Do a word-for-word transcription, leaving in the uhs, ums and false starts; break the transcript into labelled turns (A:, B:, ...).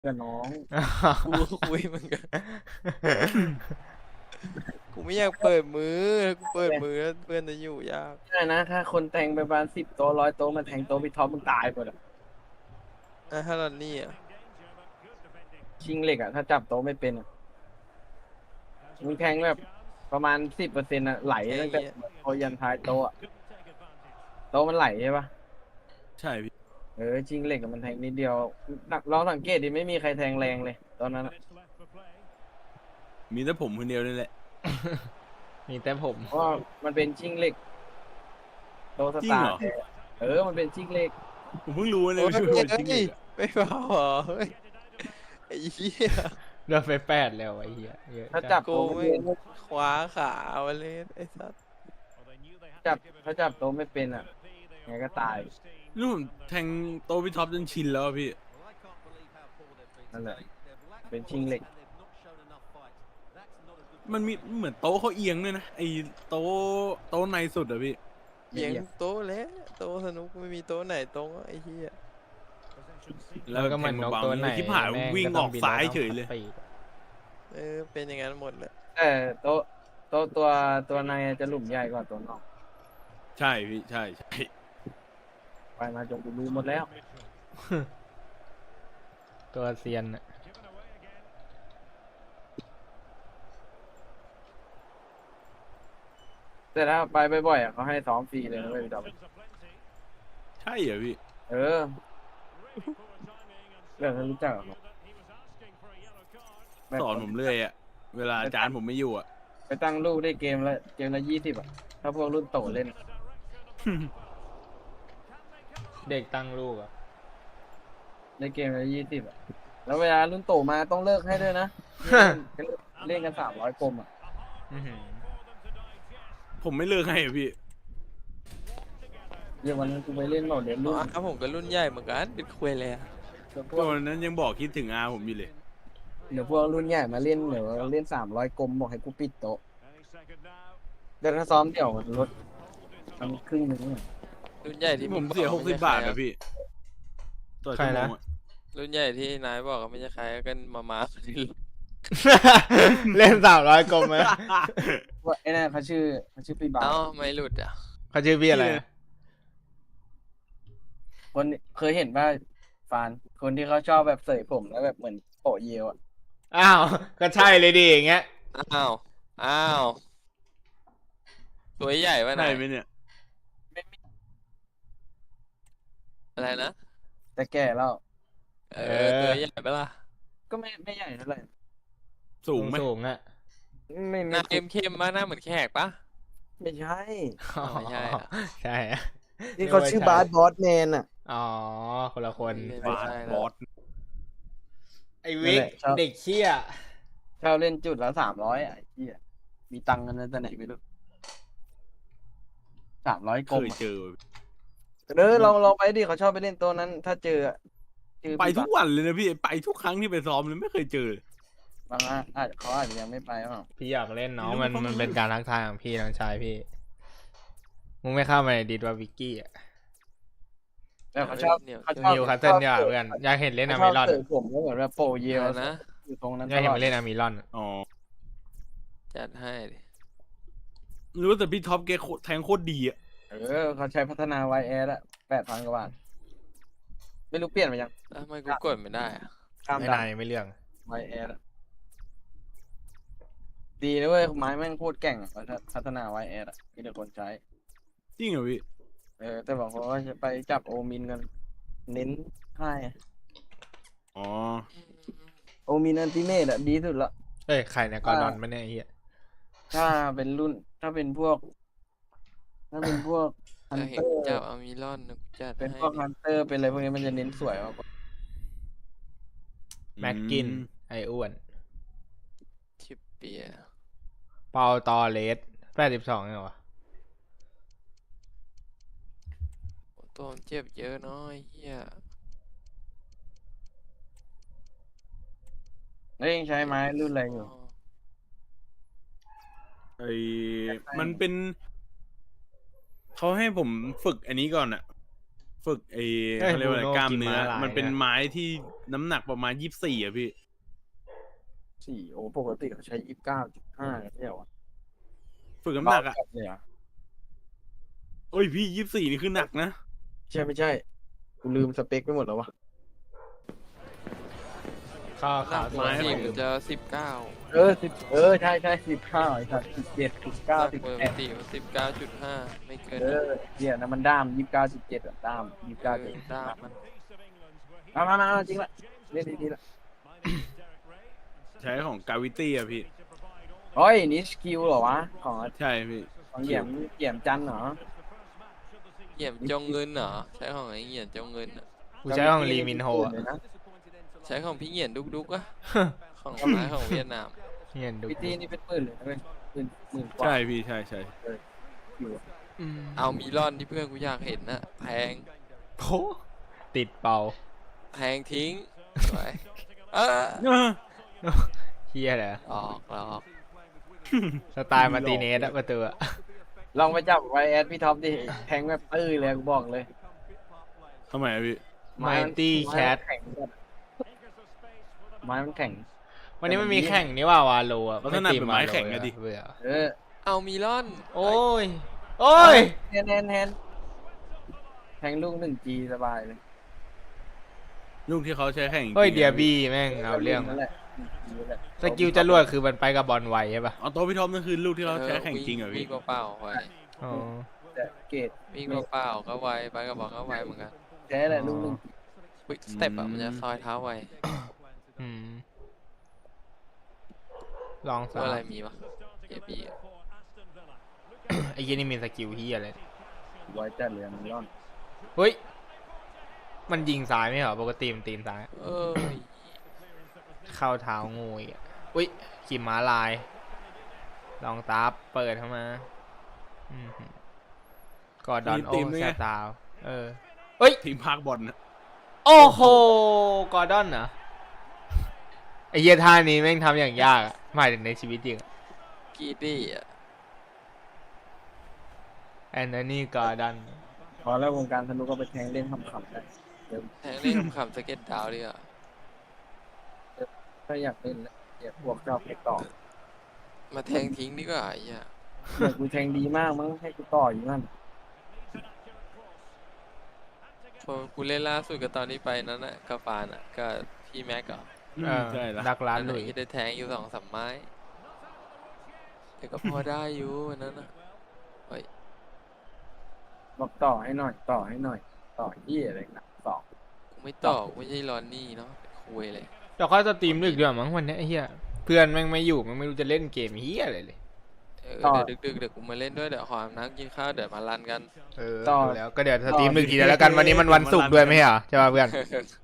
A: กับน้อง
B: กูก็คุยเหมือนกันกูไม่อยากเปิดมือถ้ากูเปิดมือแล้วเพื่อนจะอยู่ยาก
A: ใช่นะถ้าคนแทงไปประมาณสิบโต๊ะร้อยโต๊ะมันแทงโต๊ะพี่ท็อปมึงตายหมดอะ
B: อ่ะถ้าเรานี่อ่ะ
A: ชิงเหล็กอะถ้าจับโต๊ะไม่เป็นอะมึงแทงแบบประมาณสิบเปอร์เซ็นต์อะไหล
B: แค่
A: ตั้งแต่
B: เงี้ย
A: โต๊ะยันท้ายโต๊ะอะโต๊ะมันไหลใช่ปะ
C: ใช่พี่
A: เออชิงเหล็กอะมันแทงนิดเดียวลองสังเกตดิไม่มีใครแทงแรงเลยตอนนั้นอะ
C: มีแต่ผมคนเดียวนี่แหละ
D: มีแต่ผม
A: เพราะว่ามันเป็นชิงเหล็กโต๊ะส
C: จริง
A: ตา
C: เหร
A: ร์
C: อ
A: เออมันเป็นชิงเหล็ก
C: ผมเพิ่งรู้เล
B: โอ้
C: ย
B: ย
C: ว่าชื่อ
B: เฮ้
C: มันจริงเลย
B: ยไม่เบาเหรอเฮ้ยไอ้เหี้ย
D: โดนไปแปดแล้วไอ้เหี้ยเยอะ
A: ถ้า
D: จั
A: จั
D: ด
A: บ
B: กู
A: โต๊ะ
B: ไม่
A: ไม่เป็น
B: คว้าขาเอาเล่นไอ้สัส
A: จับถ้าจับโต๊ะไม่เป็นอะไงก็ตาย
C: นี่ผมแทงโตะพี่ท็อปจนชินแล้วอะพี่
A: นั่นแหละเป็นชิงเหล็ก
C: มันมีเหมือนโต๊ะเขาเอียงด้วยนะไอ้โต๊ะโต๊ะในสุดอะพี่
B: เอียงโต๊ะแล้วโต๊ะสนุกไม่มีโต๊ะไหนตรงวะไอ้เหี้ย
C: แล้ว
D: ก็
C: แท
D: เหมือน
C: ง
D: นก
C: เบา
D: ตัว
C: ๆ
D: ไหน
C: เลยคิดผ่าน
D: แม่
C: วิ่ง
D: ก็
C: อ
D: ต้
C: อก
D: บิน
C: ซ้าย
D: แล้ว
C: เฉยเลย
D: ปีก
B: เออเป็นอย่างนั้นหมดแหละ
A: แต่โต๊ะโต๊ะตัวตัวในจะหลุมใหญ่กว่าตัวนอก
C: ใช่พี่ใช่ใช่
A: ไปมาจนกูรู้หมดแล้ว
D: ตัวเซียนอะ
A: แต่ถ้าไปบ่อยๆอ่ะเขาให้ซ้อมฟรีเลยนะเว้ยพี่ดอก
C: ใช่เหรอพี่
A: เออเรื่องนั้นรู้จักเหรอแบบ
C: สอนผมเรื่อยอะเวลาอาจารย์ผมไม่อยู่อะ
A: ไปตั้งลูกได้เกมละเกมละยี่สิบอ่ะถ้าพวกรุ่นโตเล่น
D: เด็กตั้งลูกอะ
A: ได้เกมละยี่สิบอ่ะแล้วเวลารุ่นโตมาต้องเลิกให้ด้วยนะ เล่นกันสามร้อยกลมอ่ะ
D: อื้อหือ
C: ผมไม่เลิกให้อะพี่
A: เดี๋ยววันนั้นกูไปเล่นโหมดเดี๋ยว
B: อ๋
A: รุ่น
B: อผมก็รุ่นใหญ่เหมือนกันเป็นคุยเลยอะ
A: เดี๋ยวพ
C: ต
A: วก
C: อนนั้นยังบอกคิดถึงอาผมอยู่เลย
A: เดี๋ยวพวกรุ่นใหญ่มาเล่นเดี๋ยวเล่นสามร้อยกลมบอกให้กูปิดโต๊ะเดี๋ยวถ้าซ้อมเดี่ยวมันลดมันครึ่งหนึงอะ
B: รุ่นใหญ่ที่
C: ผม
B: ง
C: เสีย
B: อก
C: หกสิบบาทอะพี่ต่อชั่วโมงอะ
B: รุ่นใหญ่ที่นายบอกก็ไม่ใช่ใครกันมามาคนนี้
D: เล่นสามร้อยกลมไหม
A: ว่าไอ้นั่นเขาชื่อเขาชื่อพี่บา
B: เอ้า
A: ส
B: ไม่หลุดอ่ะ
D: เขาชื่อพี่อะไรอะ
A: คนเคยเห็นว่าฟานคนที่เขาชอบแบบเสยผมแล้วแบบเหมือนโปะเยลอ่ะ
D: อ้าวก็ใช่เลยดิอย่างเงี้ย
B: อ้าวอ้าวตัวใหญ่ปะ
C: ใช่
B: นาย
C: ไหมเนี่ย
B: อะไรนะ
A: แต่แก่แล้ว
B: เออตัวใหญ่ปะล่ะ
A: ก็ไม่ไม่ใหญ่เท่าไหร่
C: สูงไหม
D: สูงอะ
A: ไม่
B: ห
A: ไม่
B: น้าเข้มๆมากหน้าเหมือนแขกปะ
A: ไม่ใช่
B: อ๋อไม่ใช่อะ
D: ใช่อะ
A: ที่เขาชื่อบาสบอสแมนอ่ะ
D: อ๋อคนละคน
B: ไม่
C: บาส
B: ใช่
C: บ
B: แล้ว
C: อส
D: ไอ้วิกเด็กเชี่ย
A: เช่าเล่นจุดละสามร้อยอ่ะไอ้เหี้ยมีตังค์กันนะแต่ไหนไม่รู้สามร้อยก
C: เค
A: ลม
C: ย
A: อะ
C: เจอ
A: เออลองลองไปดิเขาชอบไปเล่นตัวนั้น ถ้าเจออะเจอ
C: ไป
A: พี่
C: ทุ
A: บาก ส
C: วันเลยนะพี่ไปทุกครั้งที่ไปซ้อมเลยไม่เคยเจอ
A: บางอ่ะอาจเขาอาจจะยังไม่ไปหรอก
D: พี่อยากเล่นน้อง
C: ไม่
D: มัน
C: รู้
D: มันเป็นการทักทายของพี่น้องชายพี่มึงไม่เข้ามาในดิสว่าวิกกี้อะ
A: แต่เขาชอบ
B: เนี่ย
A: เขาชอบ
D: นิวคาสเซิลเนี่ยเพื่อนอยากเห็นเล่น
A: เขา
D: อา
A: ชอ
D: มิ
A: บ
D: รอน
A: เสยผมแล้วเหมือนแบบโปะเยล
B: เอานะ
A: อยู่ตรงนั้น
D: อยากเห็นมาเล่นอามิรอน
C: อ๋อ
B: จัดให้ดิ
C: รู้แต่พี่ท็อปแกโคตรแทงโคตรดีอะ
A: เออเขาใช้พัฒนาไวแอร์ละแปดพันกว่าบาทไม่รู้เปลี่ยนไปยัง
B: แล้วทำไมกูกดไม่ได้อะ
A: ข้าม
D: ไม่
A: ดั
D: นาน นไม่เรื่อง
A: ไวแอร์ดีนะเว้ยไม้แม่งโคตรแก่งอะพัฒนาไวแอร์อะมีแต่คนใช้
C: จริงเหรอพี่
A: เออแต่บอกเขาว่าจะไปจับโอมินกัน เน้นให้อะ
C: อ๋อ
A: โอมินอันติเมตอะดีสุดละ
D: เอ้ยใครเนี่ยกอร์ดอนไม่แน่ยไอ้เฮีย
A: ถ้าเป็นรุ่น ถ้าเป็นพวก ถ้าเป็นพวกฮัน
B: ถ้าเห็
A: เต
B: น
A: อร์
B: เจ้าอามิรอนนะกูจัด
A: เป็น
B: ให้
A: พวก
B: ดิ
A: ฮันเตอร์เป็นอะไรพวกนี้มันจะเน้นสวยมากกว่า
D: แม็กกินไออ้วน
B: ชิปเปียร์
D: เปาตอเลสแปดสิบสองเหรอวะ
B: โอ้ตัวมันเจ็บเยอะเนาะไอ้เฮีย
A: แล้วยังใช้ไม้รุ่นอะไรอยู่
C: ไอ้มันเป็นเขาให้ผมฝึกอันนี้ก่อนอะฝึกไอ้เขาเรียกว่าอะไรกล้ามเนื้อ มันเป็นไม้ที่น้ำหนักประมาณยี่สิบสี่อะพี่
A: สี่โอ้ปกติเขาใช้ยี่สิบเก้าจุดห้าไม่ใช่เหรอ
C: ฝึกน้ำหนักอะ
A: เบาจัดเลยเหรอ
C: โอ้ยพี่ยี่สิบสี่นี่คือหนักนะ
A: ใช่ไม่ใช่กูลืมสเปคไปหมดแล้ววะ
D: ข้าว
B: หนั
D: ขาว
B: ก
D: ส
B: ป
D: ว
B: ก
D: ย
B: ติมันจะสิบเก้า
A: เออสิบเออใช่ใช่สิบห้าไอ้สัตว์สิบเจ็ดสิบเก้าสิบ
B: ป
A: แป
B: ก
A: ด
B: ติมันสิบเก้าจุดห้าไม่เกิน
A: เออเนี่ยนะมันด้ามยี่สิบเก้าจุดเจ็ดอะด้ามยี่สิบเก้าจุด
B: ด้ามมัน
A: มามามาจริงละเล่นดีๆละ
C: ใช้ของกาวิตี้อะพี่
A: โอ้ยนี่สกิลเหรอวะของ
C: ใช่พี่
A: ของเหยี่ยมเหยี่ยมจันทร์เหรอ
B: เหยียบจงเงินเหรอใช้ของไอ้เหยียบจงเงินอะ
D: กูใช้ของลีมินโฮอะ
A: เลยนะ
B: ใช้ของพี่เหยียนดุกดุกอะของไม้ของเวียดนาม
D: เงียนดู
A: พิตี้นี่เป็นหมื่นเลยนะเว้ยหมื่นหมื่นกว่า
C: ใช่พี่ใช่ใช่
A: อยู่
D: อืม
B: เอามีลอนที่เพื่อนกูอยากเห็นนะแทง
D: โผติดเป่า
B: แทงทิ้งไปเออ
C: เออ
D: เฮียเหรอ
B: ออกแล้วออก
D: สไตล์มาร์ติเนสอะประตูอะ
A: ลองไปจับไวแอดพี่ท็อปดิแทงแบบตื้อเลยกูบอกเลย
C: ทำไมอะพี่
D: ไมตี้แคท
A: ไม้มันแข็งจัดไม้มันแข็ง
D: วันนี้มันมีแข่งนี่ว่าวาโลอะ
C: ลักษณะเป็นไม้แข็งอะดิ
D: เบื่อ
A: เออ
B: เอามีลอน
D: โอ้ย โอ้ย
A: แฮนแฮนแฮนแทงลูกหนึ่งจีสบายเลย
C: ลูกที่เขาใช้แข่งจริงๆ
D: เฮ้ยเดียบี้แม่งเอาเรื่อง
A: นั่นแหละนั่นแหละ
D: สกิลจรวดคือมันไปกับบอลไวใช่ปะ
C: เอาโต๊ะพี่ท็อปนั่นคือลูกที่เขาใช้แข่งจริงเหรอ
B: วิ่
C: พี่
B: งเปล่าๆไว้
D: อ๋อ
A: แต่เกต
B: วิ่งเปล่าๆก็ไวไปกับบอกก็ไวเหมือนกัน
A: แท้แหละลูกหนึ่ง
B: วิกสเต็ปอะมันจะซอยเท้าไว
D: อืมลอง
B: ตั
D: สาว
B: อะไรมีวะเอบี
D: ไอ้ยี่นี่มีสกิลเฮียอะไร
A: ไว้จัดเลยมันร่อน
D: เฮ้ย มันยิงซ้ายไม่เหรอ ปกติมันตีนซ้าย
B: เอ้ย
D: เข้าเท้างูอีกอะอุ้ยขี่ม้าลาย ลองตาเปิดเข้ามาอืมหือกอดดอนโอแซตาวเออเฮ้ย
C: ทีมพากบอลนะ
D: โอ้โห กอร์ดอนเหรอ ไอ้เหี้ยท่านี้แม่งทำอย่างยากอะหมายถึงในชีวิตจริงอะ
B: กีดี้อะ
D: แอนโทนีกอร์ดอน
A: พอแล้ววงการธนุก็ไปแทงเล่นขำๆได้
B: แทงเล่นขำๆสเก็ตดาวดิอ่ะ
A: ถ้าอยากเล่นแล้วอยากบวกเจ้าไปต่อ
B: มาแทงทิ้งดีกว่าไอ้เหี้ย
A: อยากกูแทงดีมากมั้งให้กูต่ออยู่นั่น
B: พอกูเล่นล่าสุดกับตอนนี้ไปนั้นน่ะกับฟานอ่ะกับพี่แม็กก็
C: อืม
D: เออ
C: ใช่ละ
D: ดักร้าน
B: อัน
D: ห
B: ไหน
D: ลุย
B: ที่ได้แทงอยู่สองสามไม้แต่ก็พอได้อยู่วันนั้นอ่ะเฮ้ย
A: บอกต่อให้หน่อยต่อให้หน่อย ต่อที่อะไรนะต่อ
B: กูไม่ตอบไม่ใช่รอนนี่เนาะเป็นคุยเลย
D: เดี๋ยวค่อยสตรีมดึกดีกว่ามั้งวันเนี้ยไอ้เหี้ย เพื่อนแม่งไม่อยู่แม่งไม่รู้จะเล่นเกมเหี้ยอะไรเลย
B: เออเดี๋ยวดึกๆเดี๋ยวกูมาเล่นด้วยเดี๋ยวขออาบน้ำกินข้าวเดี๋ยวมารันกัน
D: เออดูแล้วก็เดี๋ยวสตรีมดึกทีเดียวแล้วกันวันนี้มันวันศุกร์ด้วยไม่ใช่เหรอใช่ป่ะเพื่อน